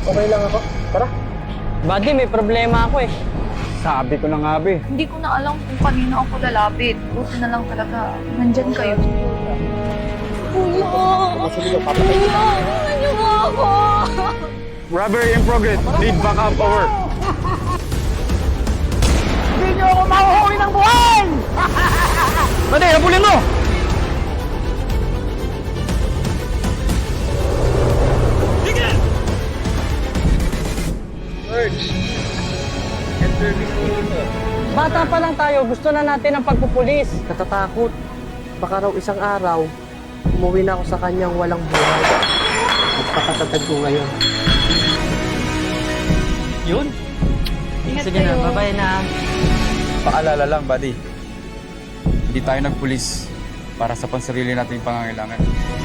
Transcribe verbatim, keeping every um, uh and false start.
Okay lang ako. Tara. Buddy, may problema ako eh. Sabi ko na nga, be. Hindi ko na alam kung kanino ako lalapit. Buti na lang talaga. Nandyan kayo. Kuya! Kuya! Kuya niyo ba ako? Robbery in progress. Need backup over. Hindi niyo ako mahuhuli ng buhay! Buddy, habulin mo! Bata pa lang tayo, gusto na natin ang pagpupulis. Natatakot. Baka raw isang araw, umuwi na ako sa kanyang walang buhay. Magpakatatag ko ngayon. Yun. Ingat Sige kayo. na, bye-bye na. Paalala lang, buddy. Hindi tayo nagpulis para sa pansarili nating pangangailangan.